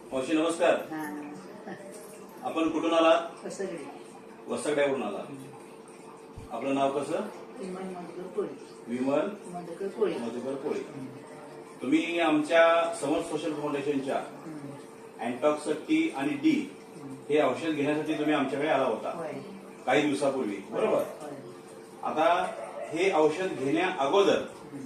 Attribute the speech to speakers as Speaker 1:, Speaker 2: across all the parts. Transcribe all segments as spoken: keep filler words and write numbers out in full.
Speaker 1: मावशी नमस्कार. आपण कुठून आला? वसगड्यावरून आला. आपलं नाव कसं?
Speaker 2: विमल मधुकर कोळी.
Speaker 1: विमल
Speaker 2: मधुकर कोळी.
Speaker 1: मधुकर कोळी. तुम्ही आमच्या समर सोशल फाउंडेशनच्या अँटॉक्स टी आणि डी हे औषध घेण्यासाठी तुम्ही आमच्याकडे आला होता काही दिवसापूर्वी, बरोबर? आता हे औषध घेण्या अगोदर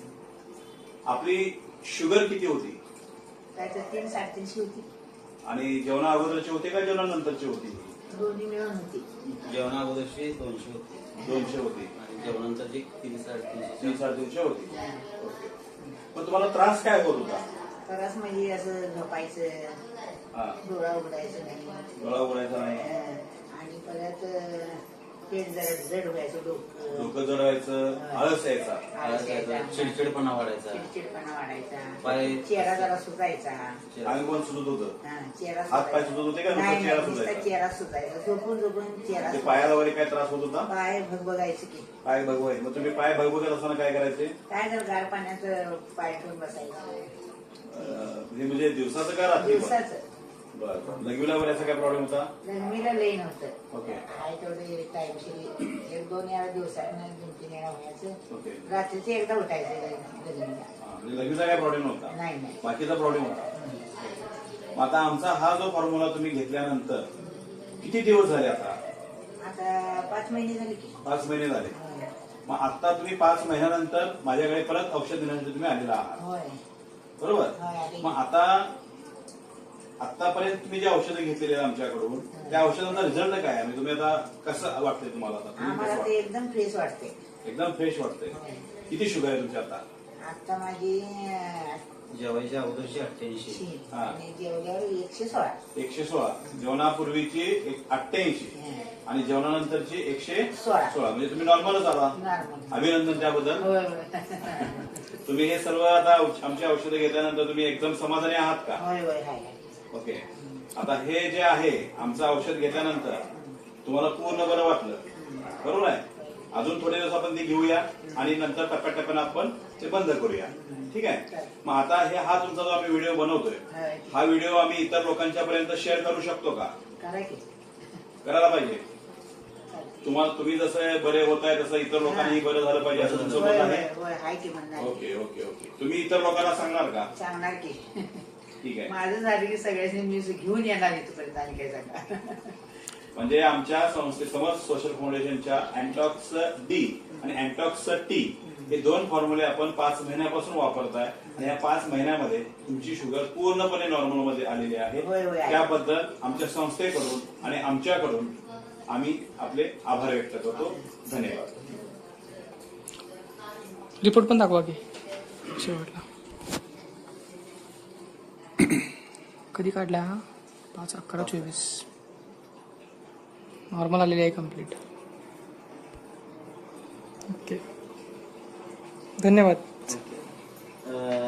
Speaker 1: आपली शुगर किती होती?
Speaker 2: तीन साडेतीनशे होती.
Speaker 1: आणि जेवणा अगोदरची होती का जेवणानंतरची होती?
Speaker 2: दोन्ही मिळून होती.
Speaker 3: जेवणा अगोदरची दोनशे होती.
Speaker 1: दोनशे होती
Speaker 3: आणि जेवणानंतरची तीन साडेतीनशे
Speaker 1: तीन साडेतीनशे होती. ओके. मग तुम्हाला त्रास काय होत होता?
Speaker 2: त्रास म्हणजे असं झोपायचं,
Speaker 1: हा,
Speaker 2: डोळा उघडायचं नाही,
Speaker 1: डोळा उघडायचा नाही,
Speaker 2: आणि परत पेट जरा जड व्हायचं, डोकं
Speaker 1: डोकं जड व्हायचं, आळस यायचा,
Speaker 2: आळस यायचा,
Speaker 3: चिडचिडपणा वाढायचा,
Speaker 2: चिडचिडपणा वाढायचा,
Speaker 3: पाय
Speaker 2: चेहरा जरा सुजायचा,
Speaker 1: अंग पण सुजत होतं,
Speaker 2: हा, चेहरा
Speaker 1: हात पाय सुजत होते का?
Speaker 2: नाही,
Speaker 1: नुसतं चेहरा
Speaker 2: नाही, नुसता
Speaker 1: सुजायचा?
Speaker 2: चेहरा सुजायचा, झोपून झोपून चेहरा
Speaker 1: ते
Speaker 2: सुजायचा.
Speaker 1: पायाला वगैरे काय त्रास होत होता?
Speaker 2: पाय भगबगायचे की
Speaker 1: पाय भगवाय. मग तुम्ही पाय भगवत असताना काय करायचे?
Speaker 2: काय जर गार पाण्याचं पाय ठेवून बसायचं.
Speaker 1: अं, हे म्हणजे दिवसाचं का रात्री?
Speaker 2: दिवसाचं.
Speaker 1: बरं. लघवीला वगैरे असा काय प्रॉब्लेम होता?
Speaker 2: लग्नीला लई नव्हतं.
Speaker 1: ओके.
Speaker 2: आहे तेवढे टाईमशी एक दोन वेळा दिवसात दोन तीन वेळा व्हायचं.
Speaker 1: ओके.
Speaker 2: रात्रीचं एकदा उठायचं लग्नीला.
Speaker 1: हा, म्हणजे लघवीचा काय प्रॉब्लेम नव्हता?
Speaker 2: नाही नाही.
Speaker 1: बाकीचा प्रॉब्लेम होता. मग आता आमचा हा जो फॉर्म्युला तुम्ही घेतल्यानंतर किती दिवस झाले आता?
Speaker 2: आता पाच महिने झाले की.
Speaker 1: पाच महिने झाले. मग आता तुम्ही पाच महिन्यानंतर माझ्याकडे परत औषध देण्यासाठी तुम्ही आलेला आहात,
Speaker 2: होय
Speaker 1: बरोबर?
Speaker 2: होय आले.
Speaker 1: मग आता आतापर्यंत तुम्ही जे औषधं घेतलेली आहेत आमच्याकडून त्या औषधांचा रिझल्ट काय आहे? म्हणजे तुम्ही आता कसं वाटतंय तुम्हाला? आता तुम्ही
Speaker 2: आम्हाला
Speaker 1: कसं
Speaker 2: ते
Speaker 1: वाटतंय?
Speaker 2: एकदम फ्रेश वाटते.
Speaker 1: एकदम फ्रेश वाटतंय. किती शुगर आहे तुमची आता?
Speaker 2: आता माझी
Speaker 3: जेवायच्या अगोदरची अठ्ठ्याऐंशी,
Speaker 2: शी
Speaker 1: हा.
Speaker 2: आणि जेवल्यावर एकशे सोळा.
Speaker 1: एकशे सोळा. जेवणापूर्वीची एक अठ्ठ्याऐंशी आणि जेवणानंतरची एकशे
Speaker 2: सोळा.
Speaker 1: सोळा. म्हणजे तुम्ही नॉर्मलच आला.
Speaker 2: नॉर्मल.
Speaker 1: अभिनंदन त्याबद्दल.
Speaker 2: होय होय.
Speaker 1: तुम्ही हे सर्व आता औष- आमची औषधं घेतल्यानंतर तुम्ही एकदम समाधानी आहात का?
Speaker 2: होय होय हाय हाय.
Speaker 1: ओके. आता हे जे आहे आमचं औषध घेतल्यानंतर तुम्हाला पूर्ण बरं वाटलं, बरोबर आहे? अजून थोडे दिवस आपण ते घेऊया आणि नंतर टप्प्याटप्प्यानं आपण ते बंद करूया, ठीक आहे? मग आता हे हा तुमचा जो आम्ही व्हिडिओ बनवतोय
Speaker 2: होय.
Speaker 1: हा व्हिडिओ आम्ही इतर लोकांच्या पर्यंत शेअर करू शकतो का?
Speaker 2: करा की.
Speaker 1: करायला पाहिजे. तुम्हाला तुम्ही जसं बरे होत आहे तसं इतर लोकांनाही बरं झालं पाहिजे असं तुमचं
Speaker 2: होय
Speaker 1: मत
Speaker 2: होय
Speaker 1: आहे?
Speaker 2: होय हाय की म्हणणार.
Speaker 1: Okay okay okay. तुम्ही इतर लोकांना सांगणार का?
Speaker 2: सांगणार की.
Speaker 1: ठीक आहे.
Speaker 2: माझं झालं की सगळ्यांनी मी घेऊन येणार इथपर्यंत आणि काय सांगा.
Speaker 1: म्हणजे आमच्या संस्थे समर सोशल फाउंडेशनच्या अँटॉक्स डी आणि अँटॉक्स टी हे दोन फॉर्म्युले आपण पाच महिन्यापासून वापरताय आणि या पाच महिन्यामध्ये तुमची शुगर पूर्णपणे नॉर्मल मध्ये आलेली आहे.
Speaker 2: होय, होय, आहे.
Speaker 1: त्याबद्दल आमच्या संस्थेकडून आणि आमच्याकडून आम्ही आपले आभार व्यक्त करतो. धन्यवाद.
Speaker 4: रिपोर्ट पण दाखवा की शेवटला. कधी काढला हा? पाच अकरा चोवीस. नॉर्मल आलेली आहे कम्प्लीट. ओके, धन्यवाद.
Speaker 3: अं,